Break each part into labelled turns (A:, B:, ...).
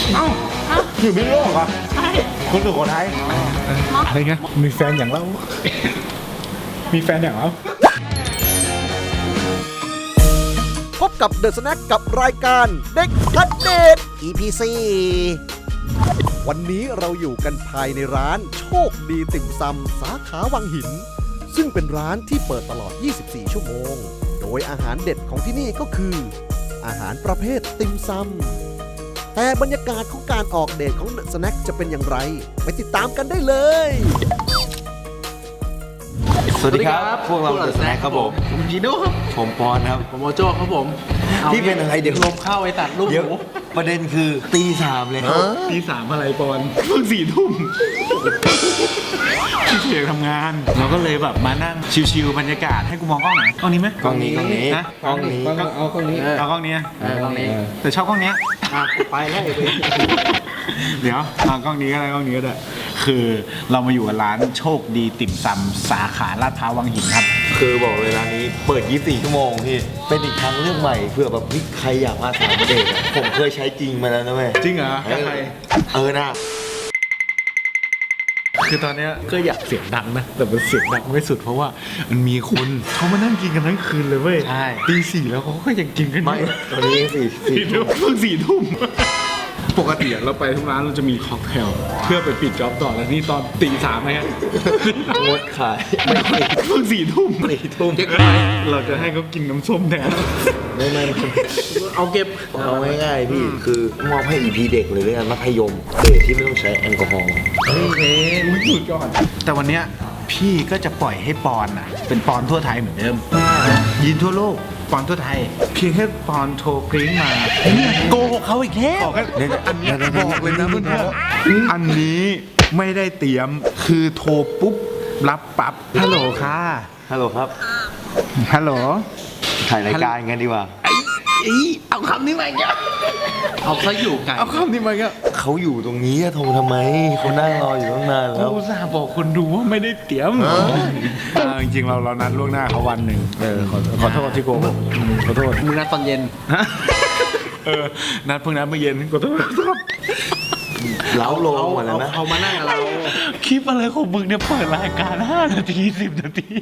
A: เอ้าอยู่พิษณุโลกเหรอใช่คนสุโขทัยอะไรเงี้ยมีแฟนอย่างเรามีแฟนอย่างเรา
B: พบกับเดอะสแน็คกับรายการเด็กอัปเดต EP 4วันนี้เราอยู่กันภายในร้านโชคดีติ่มซำสาขาวังหิน ซึ่งเป็นร้านที่เปิดตลอด 24 ชั่วโมง โดยอาหารเด็ดของที่นี่ก็คือ อาหารประเภทติ่มซำแต่บรรยากาศของการออกเดทของเดอะสแน็คจะเป็นอย่างไร ไปติดตามกันได้เลย
C: สวัสดีครับพวกเราเดอะสแน็คครับผม
D: ผมจีโน่ครับ
C: ผมปอนครับ
D: ผมโมโจ้ครับผม
C: พี่เป็นอะไรเดี๋ยว
D: ลมเข้าไอ้ตัดลูก
C: เดี๋ยว
D: หมู
C: ประเด็นคือตี 3เลยครับ
A: ตีสามอะไรปอนเพิ่ง4 ทุ่มพี่เสียงทำงาน เราก็เลยแบบมานั่งชิวๆบรรยากาศให้กูมองกล้องไหนกล้องนี้ไหม
C: กล้องนี้
A: นะ
C: กล้องนี้
A: เอากล้องนี้เอากล้องนี้
D: ตรงนี้
A: แต่ชอบกล้องเนี้ย
D: ไปแล้ว
A: เดี๋ยวเอากล้องนี้ก็ได้กล้องนี้ก็ได้คือเรามาอยู่กับร้านโชคดีติ่มซำสาขาลาดพร้าววังหินครับ
C: คือบอกเลยร้านนี้เปิด 24 ชั่วโมงพี่เป็นอีกทางเลือกใหม่เพื่อแบบใครอยากมาสามประเดทอะผมเคยใช้จริงมาแล้วนะเว้ย
A: จริงเหรอกับใคร
C: นะ
A: คือตอนเนี้ยก็อยากเสียงดังนะแต่มันเสียงดังไม่สุดเพราะว่ามันมีคนเขามานั่งกินกันทั้งคืนเลยเว้ย
C: ใช่
A: ตีสี่แล้วเขาก็ยังกินกันอ
C: ไม่
A: ยู่
C: ตอนนี้4
A: 4 ทุ่มเพิ่ง4 ทุ่มปกติเราไปทุกร้านเราจะมีค็อกเทลเพื่อไปปิดจ็อบต่อแล้วนี่ตอนตี 3นะฮะ
C: งดขายไม่
A: เพิ่ง4 ทุ่ม
C: 4 ทุ่ม
A: เราจะให้เขากินน้ำส้มแทน
C: ไม่
D: เอาเก็บ
C: เอาง่ายๆพี่คือมอบให้ EP เด็กเลยด้วยกันมัธยมเดทที่ไม่ต้องใช้แอลกอฮอล์
A: สุดยอดแต่วันเนี้ยพี่ก็จะปล่อยให้ปอนอ่ะเป็นปอนทั่วไทยเหมือนเดิมยินทั่วโลกปอนทั่วไทยเพียงแค่ปอนโทรกริ้งมาโกหกเขาอีกแล้วบอกอันนี้บอกเลยนะเพื่อนๆอันนี้ไม่ได้เตรียมคือโทรปุ๊บรับปั๊บฮัลโหลค่ะ
C: ฮัลโหลครับ
A: ฮัลโหล
C: ถ่ายรายการกันดีกว่า
A: เอาคำนี้มาอีกแล้ว
D: เอาเขาอยู่ไกล
A: เอาคำนี้มาอีกแล้ว
C: เขาอยู่ตรงนี้อะโทรทำไมเขานั่งรออยู่ตั้งนานแล้ว
A: อุตส่าห์บอกคนดูว่าไม่ได้เตรียมจริงๆเรานัดล่วงหน้าเขาวันหนึ่งขอโทษที่โกหกขอโทษ
D: มึงนัดตอนเย็น
A: นัดเพิ่งนัดเมื่อเย็นขอโทษ
C: เล้าโลงหมดแล้วนะ
D: เอามานั่งกับเรา
A: คลิปอะไรของมึงเนี่ยเปิดรายการ5 นาที 10 นาที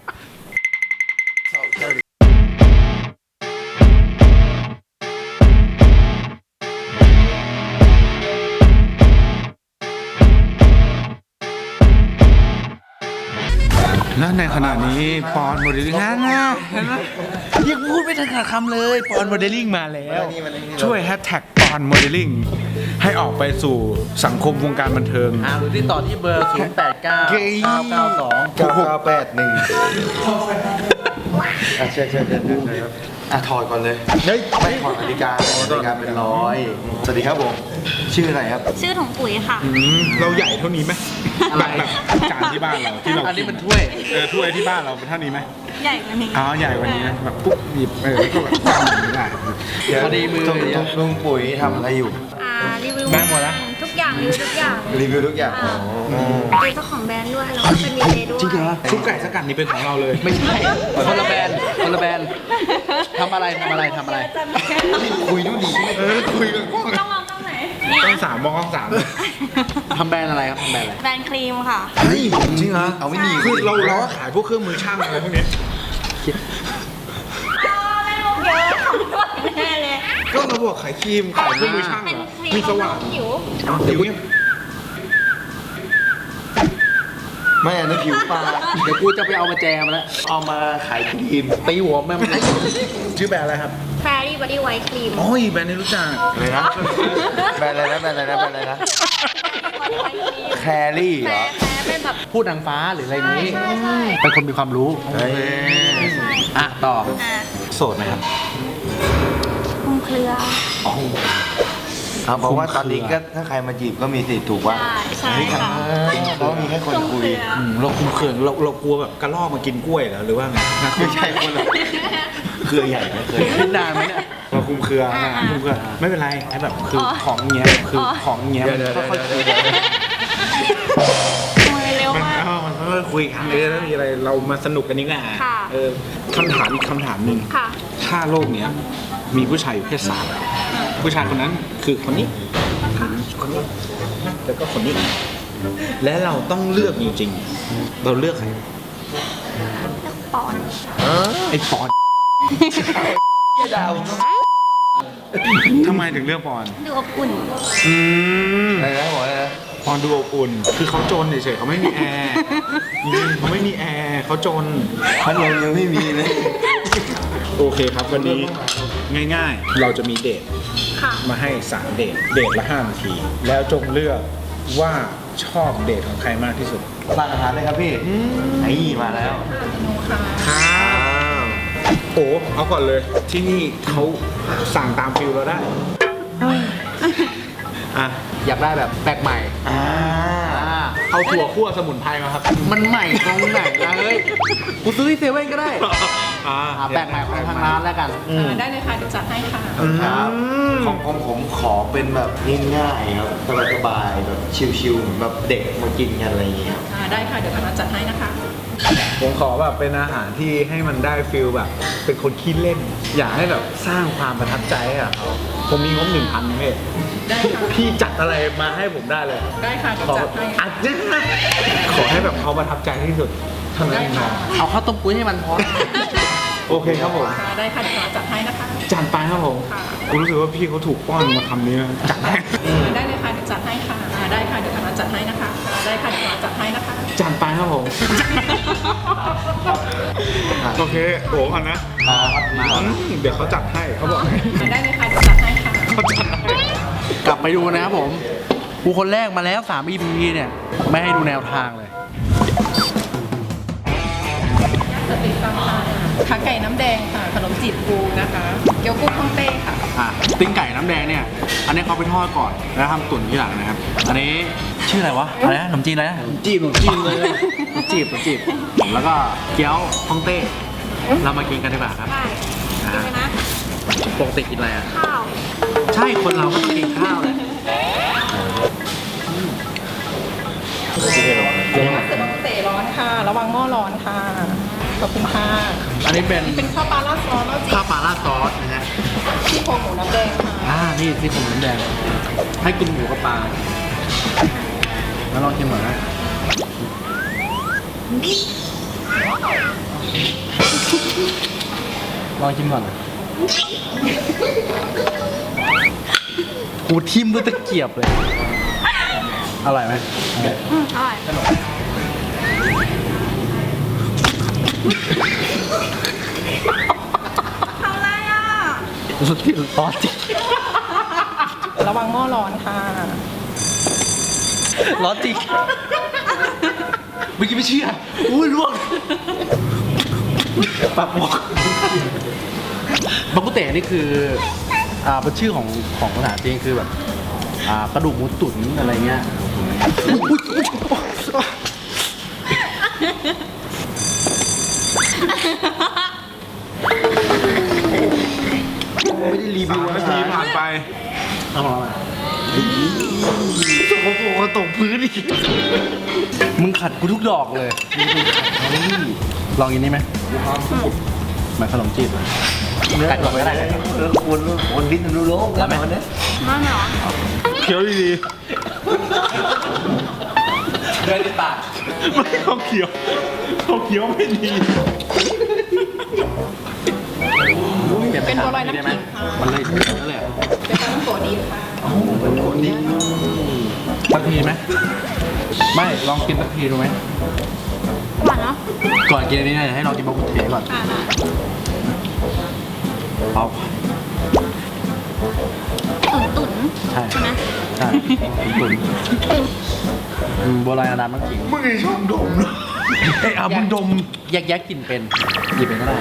A: และในขณะนี้ปอนโมเดลลิ่งนะยังพูดไม่ทันขาดคำเลยปอนโมเดลลิ่งมาแล้ว ช่วยแฮชแท็กปอนโมเดลลิ่งให้ออกไปสู่สังคมวงการบันเทิง
D: หรือที่ต่อที่เบอร์ 0 8 9 9 9 2
C: 9981ใช่ถอดก่อนเลย
A: เฮ้ย
C: ไม่ถอดนาฬิกาเป็นร้อยสวัสดีครับผมชื่ออะไรครับ
E: ชื่อถุงปุ๋ยค่ะ
A: เราใหญ่เท่านี้ไหมแบบจานที่บ้านเราที่เรา
D: อันนี้มันถ้วย
A: ถ้วยที่บ้านเราเป็นเท่านี้ไหม
E: ใหญ่กว่านี้
A: อ๋อใหญ่กว่านี้นะแบบปุ๊บหยิบแล้วก็แบบตั้งอย่างนี้ได้
D: พอดีมือ
C: ลุงปุ๋ยทำอะไรอยู่
E: รีวิว
A: ได้หมดแล้ว
E: ทุกอย่างรีวิวทุกอย่าง
C: รีวิวทุกอย่าง
E: เป็นเจ้าของแบรนด์ด้วยแล้วก็เป็นดีเจด้วย
A: จริงเหรอซุปไก่สกัดนี่เป็นของเราเลย
D: ไม่ใช่คนละแบรนด์คนละแบรนด์ทำอะไร
C: คุยดูดี
A: คุยกันกล้อง
E: ต้องมองตรงไหน
A: ต้องสามมองกล้องสาม
D: ทำแบรนด์อะไรครับทำแบรนด์อะไร
E: แบรนด์ครีมค่ะ
C: เฮ้ยจริงเหรอเอาไม่ดี
A: คือเราก็ขายพวกเครื่องมือช่างอะไรพวกนี้
E: ไม่รู้เยอะของแน่เลย
A: ก็เราบอกขายครีมขายเครื่องมือช่าง
E: เป็น
A: เหรอ
E: ครีม
A: มีสว่าน
E: ผิว
A: ผิวเนี่ย
C: ไม่อันนั้นผิวปลา
D: เดี๋ยวกูจะไปเอามาแจมแล้ว
C: เอามาขายครีม
D: ตีหัวแม่มัน
A: ชื่อแบรนด์อะไรครับ
E: แฟรี่บอดี้ไวท์ครีม
A: โอ้ยแบรนด์นี้รู้จัก
C: อะไรนะแบรนด์อะไรนะแครี่เหรอ
E: แฟเป็นแบบ
D: พูดนางฟ้าหรืออะไรนี้
E: ใช่
D: เป็นคนมีความรู้
C: เฮ้ย
E: ใช่
D: อ่ะต่อ
E: อ่ะ
A: โสดไหมครับ
E: คลุมเครือ
C: เพราะว่าตอนนี้ก็ถ้าใครมาจีบก็มีสิทธิ์ถูกป่ะ
E: ใช่ค่ะ
C: เพราะมีแค่คน
E: คลุม
C: คุ
E: เค
C: ย
E: รือ
A: เราคุมเขินเรากลัวแบบกระรอกมากินกล้วยเหรอหรือว่าไง
C: ไม่ใช่คนละเครือใหญ่นะเครือ
D: ขึ้นนานไหมเนี่ย
A: เราคุมเครือนะคุมเครือไม่เป็นไรไอ้แบบคือของเงี้ยคือของเงี้ยมันค่อยๆคุย
E: มือเร็ว
A: มัน
E: มาก
A: มันค่อยๆคุยกันเลยแล้วมีอะไรเรามาสนุกกันนี่แหละ
E: ค่ะ
A: คำถามอีกคำถามหนึ่ง
E: ค่ะ
A: ถ้าโลกเนี้ยมีผู้ชายอยู่แค่3ผู้ชายคนนั้นคือคนนี้นี้แล้วก็คนนี้และเราต้องเลือกจริงๆเราเลือกใคร
E: ปอน
A: ไอ้ปอนทำไมถึงเลือกปอน
E: ดูอบอุ่น
C: อะไรนะบอกเลยนะ
A: ปอนดูอบอุ่นคือเขาจนเฉยๆเขาไม่มีแอร์จริงๆเขาไม่มีแอร์เขาจน
C: พัดลมยังไม่มีเลย
A: โอเคครับวันนี้ง่ายๆ เราจะมีเดท
E: ค่ะ
A: มาให้3เดทละ5 นาที แล้วจงเลือกว่าชอบเดทของใครมากที่สุด
C: สั่งอาหารเลยครับพี่ไอ้มาแล้ว
A: ครับโอ้เอาก่อนเลยที่นี่เขาสั่งตามฟิลเราได้อ่ะ
D: อยากได้แบบแปลกใหม่
A: เอาถั่วคั่วสมุนไพรมาครับ
D: มันใหม่ตรงไหนล่ะเฮ้ย กูซื้อที่เซเว่นก็ได้ แปลกใหม่ของทางร้านแล้วกัน
F: ได้เลยค่ะเดี๋ยวจัดให้ค่ะ
C: ครับของผมขอเป็นแบบง่ายๆครับสบายๆแบบชิลๆเหมือนแบบเด็กมากินกันอะไรอย่างเงี้ยครับ
F: ได้ค่ะ เดี๋ยวทางร้านจัดให้นะคะ
A: ผมขอแบบเป็นอาหารที่ให้มันได้ฟิลแบบ เป็นคนขี้เล่น อยากให้แบบสร้างความประทับใจให้กับเขาผมมีงบ 1,000พี่
F: ได้ค่ะ
A: พี่จัดอะไรมาให้ผมได้เลย
F: ได้ค่ะเดี๋ยว
A: ขอ
F: จัดให้
A: อัดเนี่ยขอให้แบบเขาประทับใจที่สุดเท่านั้นเองนะ
D: เอาข้าวต้มกุ้ยให้มันพอ
A: โอเคครับผม
F: ค่ะได้ค่ะเดี๋ยวทางร้านจัดให้นะคะ
A: จัดไปครับผม
F: ค่ะ
A: กูรู้สึกว่าพี่เขาถูกป้อนมาคำนี้นะจัดให้
F: ได้เลยค่ะเดี๋ยวจัดให้ค่ะ ได้ค่ะเดี๋ยวทางร้านจัดให้นะคะ ได้ค่ะเดี๋ยวทางร้านจัดให้นะคะ
A: จัดไปครับผม โอเคโอ้ก่อนนะเดี๋ยวเขาจัดให้เขาบอกให้
F: ได้เลยค่ะเดี๋ยวจัดให้ค่ะ
A: เขาจัดให้
D: กลับไปดูนะครับผม กูคนแรกมาแล้ว3 EP เนี่ย ไม่ให้ดูแนวทางเลย
F: สติฟังค่ะขาไก่น้ำแดงค่ะ ขนมจีบปูนะคะ เกี๊ยวกุ้งฮ่องเต้ค่ะ
D: ติ้งไก่น้ำแดงเนี่ย อันนี้เขาไปทอดก่อน แล้วทำตุ๋นที่หลังนะครับ อันนี้ชื่ออะไรวะ อะไรนะขนมจีนอะไรนะขนมจีบเลยขนมจีบ แล้วก็เกี๊ยวฮ่องเต้ เรามากินกันดีกว่าครับ
E: ได้กินไหมนะ
D: ปกติกินอะไรอ่ะ
E: ข้าว
D: ใช่คนเราก็ต้องกินข้าวแหละ
F: เสิร์ฟเตะร้อนค่ะ ระวังหม้อร้อนค่ะ ขอบคุณค่ะ
D: อันนี้เป็น
F: เป็นข้าวปลาราดซอสแล้วจี
D: ข้าวปลาราดซอสนะฮะ
F: ซี่โครงหมูน้ำแดงค่ะ
D: นี่ที่ผมน้ำแดง ให้กินหมูกับปลาแล้วลองกินหน่อยนะลองชิมก่อนนะกูทิ่มด้วยตะเกียบเลย อร่อยไหม
E: อร่อย ทำอะไรอ่ะ
D: รู้ที่ร้อนจริง
F: ระวังหม้อร้อนค่ะ
D: ร้อนจริงเมื่อกี้ไม่เชื่ออุ้ยลวกปากหมอกบักกุเตะนี่คือเป็นชื่อของภาษาจีนคือแบบกระดูกหมูตุ๋นอะไรเงี้ยไม่ได้รีวิว
A: 3
D: อา
A: นา
D: หา
A: ที
D: ร
A: ผ่านไป
D: เอามาสกปรกตกพื้นอีกมึงขัดกูทุกดอกเลยลองกินนี่ไหมเหมือนขนมจีบกัดก่อนก็ได้
C: คนดิ้นรู้โลก
D: แล้วไหม
C: เนี่ย
E: มาเหรอ
A: เคี้ยวดี
D: เดินในปาก
A: ๆไม่เขาเคี้ยวไม่ดี
F: เป็นบัวลอยน้ำขิงค่ะ
D: มันเลยเยอะเลย
F: เป็นปลาต้องโกดีค่ะ
D: สักทีไหมไม่ลองกินสักทีดูไหม
E: หวานเนาะ
D: ก่อนกินอันนี้เนี่ยให้ลองกินบะกุเทก่อน เอา
E: ตุ๋น
D: ใช่
E: ใช่ไหม
D: ใช่ตุ๋นบัวลอยน้ำมันขิง
A: มึงไอ้ช่องดมเนอะเอ้ยมึงดม
D: แยกกลิ่นเป็นหยิบเป็นก็ได้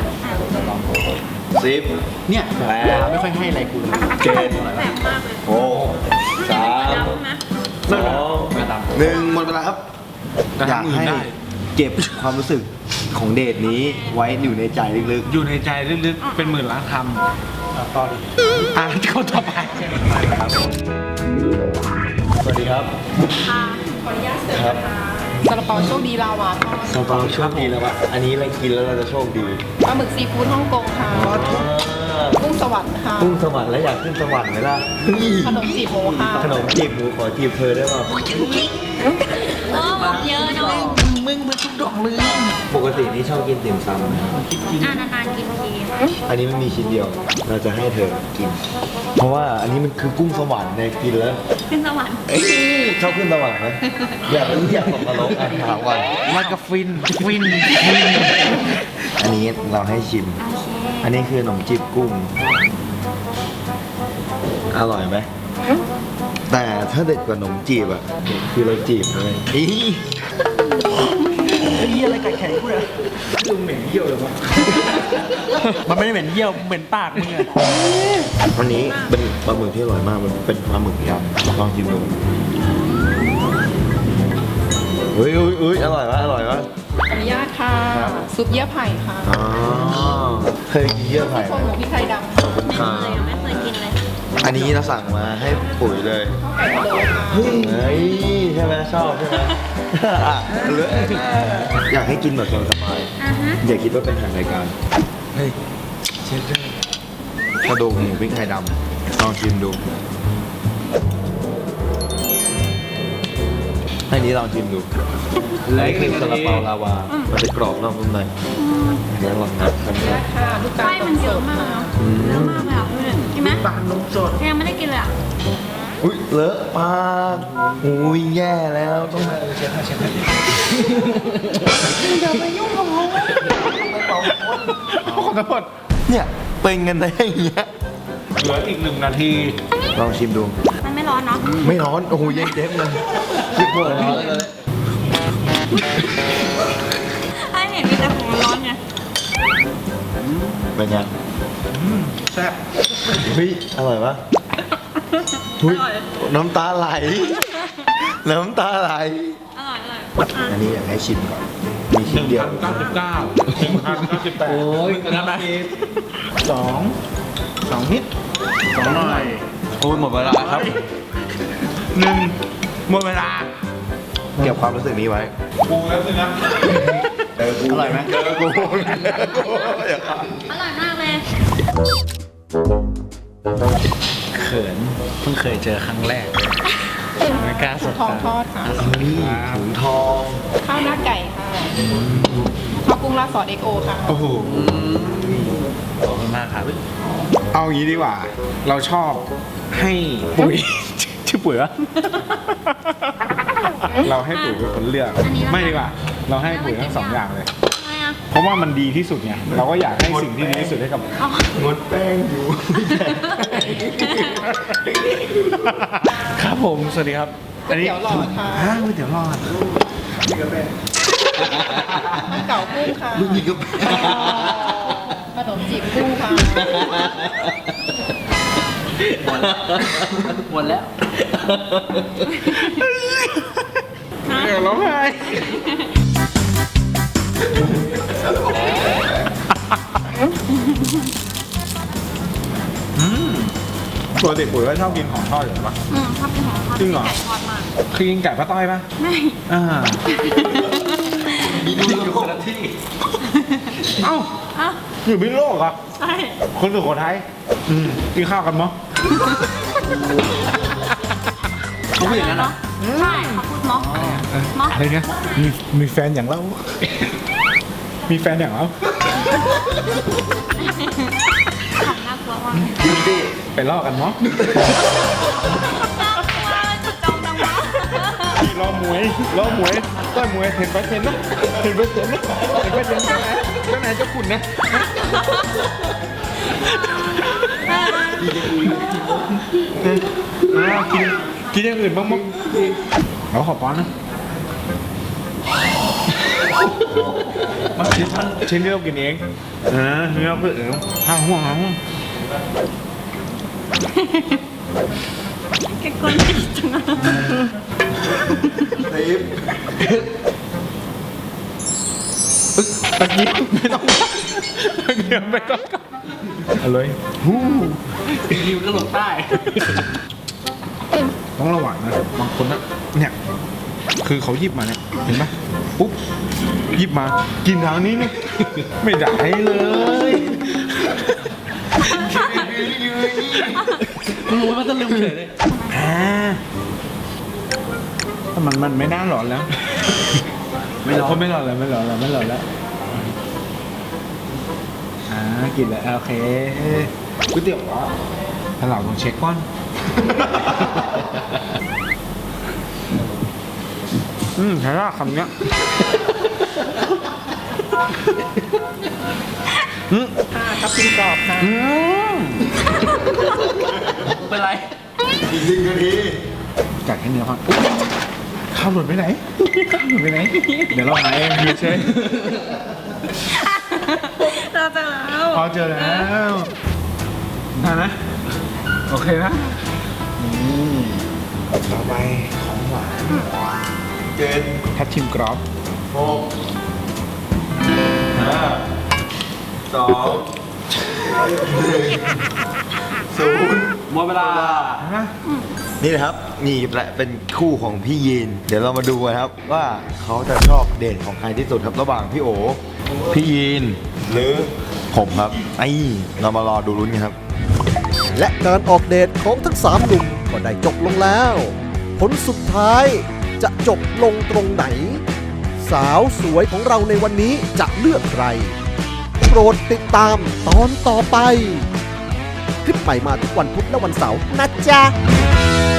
C: 10
D: เนี่ยแบบไม่ค่อยให้อะไรกูเลย
C: 7
E: แปลกมากเลย
C: 6
E: ดำนะ
C: 3
D: ไม่ตาม
C: 2 1หมดเวลาครับ
A: แต่
C: อยาก
A: ทำอื่น
C: ให้
A: ได้
C: เก็บความรู้สึกของเดทนี้ไว้อยู่ในใจลึก
A: อยู่ในใจลึกๆ เป็นหมื่นล้านคำต่อดิเขาต่อไป
C: ๆ สวัสดีครับ
E: ค่ะ
F: ขออนุญาตเสิร์ฟนะคะซาลาเปาโชคดีลาวาทอด
C: เราโชคดีแล้ววะอันนี้เรากินแล้วเราจะโชคดี
F: ปลาหมึกซีฟู้ดฮ่องกงค่ะ กุ้งสวรรค์ค่ะ
C: กุ้งสวรรค์แล้วอยากขึ้นสวรรค์ไหมล่ะ
F: ขนมจีบหมูค่ะ
C: ขนมจีบหมูขอจีบเธอได้ป่ะ
E: บอกเยอะเนาะ
C: ปกตินี่ชอบกินติ่มซำนะ
E: นานๆกินที
C: อันนี้ไม่มีชิ้นเดียว เราจะให้เธอกิน เพราะว่าอันนี้มันคือกุ้งสวรรค์ในยกินแล้ว
E: ขึ้นสวรรค์
C: ชอบขึ้นสวรรค์ไหมอยากตกนรกอ่ะถามก่อน
A: มันก็ฟิน
C: อันนี้เราให้ชิม อันนี้คือขนมจีบกุ้ง อร่อยไหม แต่ถ้าเด็ดกว่าขนมจีบอ่ะ คือเราจีบเลยอี
D: มันไม่ได้เหม็นเยี่ยวเหม็นปากมึงอะ
C: อันนี้เป็นปลาหมึกที่อร่อยมาก มันเป็นปลาหมึกยำลองชิมดูเฮ้ยอร่อยวะอร่อยวะ
F: ขออนุญาตค่ะซุปเยื่อไผ่ค่ะ
C: อ๋อเคยกินเยื่อไผ่
F: โครงหมูพริกไทยดำ
C: ขอบคุณ
E: ไม่
C: ค่ะ
E: เคยไม่เคยกินเลย
C: อันนี้เราสั่งมาให้ปุ๋ยเลย
F: ไก่พะโล้ค่ะ
C: เฮ้ยใช่ไหมชอบใช่ไหมอ่ะเลยอยากให้กินแบบสบาย
E: อ่าฮะ
C: ๆอย่าคิดว่าเป็นทางรายการ เฮ้ยเชฟเจ้กระดูกหมูพริกไทยดำลองชิมดูให้นี้ลองชิมดูอันนี้คือซาลาเปาลาวา มันจะกรอบนอกนุ่มในเดี๋ยวลองนับกันครับ
F: ค่ะลูกตา
E: ไส้
F: ล
E: มันเยอะมากเนาะเยอะมากเลยอ่ะดูดิกินไหม
A: ปลานมสด
E: ยังไม่ได้กินเลยอ่ะ
C: อุ้ยเลอะปากอุ้ยแย่แล้วต้อง
A: ขอโทษ
C: เนี่ยเป็นกันได้อย่างเงี้ย
A: เหลืออีก1 นาที
C: ลองชิมดู
E: มันไม่ร้อนเนาะ
C: ไม่ร้อน โอ้โหเย็นเจ็บเลยคิดว่าร้อนเลย
E: ไอ้เห็นมีแต่ของร้อนไง
C: เป็นไง
A: แซ่บ
C: เฮ้ยอร่อยปะหุ้ยน้ำตาไหล น้ำตาไหล
E: อร่อยอ่ะ
C: อันนี้อยากให้ชิมก่อน มีชิ้นเดียว
A: 1,098โอ้ยนะไหม2 นิด 2 หน่อย
C: โอ้ยหมดเวลาครับ
A: 1 หมดเวลา
C: เก็บความรู้สึกนี้ไว้
A: อร่อยไหม
C: กู
E: อร่อยมากเลย
D: เขินเพิ่งเคยเจอครั้งแรกไม่กล้าสบ
F: ทอง
D: ตา
F: ทอดค่ะ
C: นี่ถุงทอง
F: ข้าวหน้าไก่ค่ะข้าวกุ้งราดซอสเอ็กโอค่ะ
A: โอ้โห
D: ขอบคุณมากครับ
A: เอางี้ดีกว่า เราชอบให้ปุ๋ย ชื่อปุ๋ยวะ เราให้ปุ๋ยเป็นคนเลือก ไม่ดีกว่า เราให้ปุ๋ยทั้ง2 อย่างเลย
E: ทำไมอ่ะ
A: เพราะว่ามันดีที่สุดไง เราก็อยากให้สิ่งที่ดีที่สุดให้กับ
E: อ๋อ
C: งดแป้งอยู่
A: ครับผม สวัสดีครับ
F: ก๋วยเตี๋ยวหลอดค่ะ
A: ฮะก๋วยเตี๋ยวหลอด
F: มันเก่ากุ้งค่ะ
C: ลูกนี่ก็
F: ขนมจีบกุ้งค่ะ
D: หมดแล้ว
A: เดี๋ยวร้องไห้ปกติปุ๋ยก็ชอบกินของทอดอยู่ปะ
E: ชอบกินของทอด
A: จริงเหรอ
E: ไก่ทอดมาก
A: คือกินไก่ป้าต้อยปะ
E: ไม่
A: อ่า
C: มีดูอยู่คนละที่
A: เอ้า
E: อ้าว
A: อยู่พิษณุโลกเหรอ
E: ใช่
A: คนสุโขทัยกินข้าวกันมั้ง
D: เขาพูดอย่างนั้นเหรอ
E: ใช่เขาพูดม็อกม็อก
A: อะไรเนี่ยมีแฟนอย่างเรา มีแฟนอย่างเรา
E: ของน่ากลัวมาก
C: ยินดี
A: ไปล่อกันมั้ง
E: น่ากลัวจุดจองจังวะ
A: พี่ล่อมวยต่อยมวยเห็นไปเห็นนะเห็นไปเห็นนะเห็นไปเห็นเจ้าไหนเจ้าขุนนะกินอย่างอื่นบ้างมั้งเราขอป้อนนะมาชิ้นที่เรากินเองนี่เราเพื่อห้าห่วง
E: แกกวนติดจังอะ
C: ทิป
A: ตะกี้ไม่ต้องตะกี้ไม่ต้องเอาเลยฮู้
D: ริวก็ลงใต้
A: ต้องระวังนะบางคนนะเนี่ยคือเขาหยิบมาเนี่ยเห็นปะปุ๊บหยิบมากินทางนี้เนี่ยไม่ได้เลย
D: มึงรู้ว่าจะลืมเฉยเลย
A: แต่มันไม่น่าหลอนแล้ว
D: ไม่ร้อง
A: ไม่หลอนแล้วไม่หลอนแล้วไม่หลอนแล้วกินแล้วโอเคก๋วยเตี๋ยวถ้าเราต้องเช็คก่อนใช่ละคำเนี้ย
F: ค่ะทับทิมกรอบค่ะ
D: เป็นไร
C: อีกหนึ่งนาที
A: กัดแค่เนื้อก่อนข้าวหล่นไปไหนข้าวหล่นไปไหน เดี๋ยวเราหาเองอยู่เฉย
E: เราเจอแล้ว
A: พอเจอแล้วนะโอเคนะต่อไปของหวาน
C: เจ็ด
A: ทับทิมกรอบ
C: หกห้าสองหนึ่งศูนย์
D: หมดเวลา
C: นี่นะครับ นี่แหละเป็นคู่ของพี่ยีน เดี๋ยวเรามาดูกันครับว่าเขาจะชอบเดทของใครที่สุดครับระหว่างพี่โอ พี่ยีน หรือผมครับไอ้เรามารอดูลุ้นกันครับ
B: และการออกเดทของทั้ง3หนุ่มก็ได้จบลงแล้ว ผลสุดท้ายจะจบลงตรงไหน สาวสวยของเราในวันนี้จะเลือกใคร โปรดติดตามตอนต่อไป คลิปใหม่มาทุกวันพุธและวันเสาร์นะจ๊ะ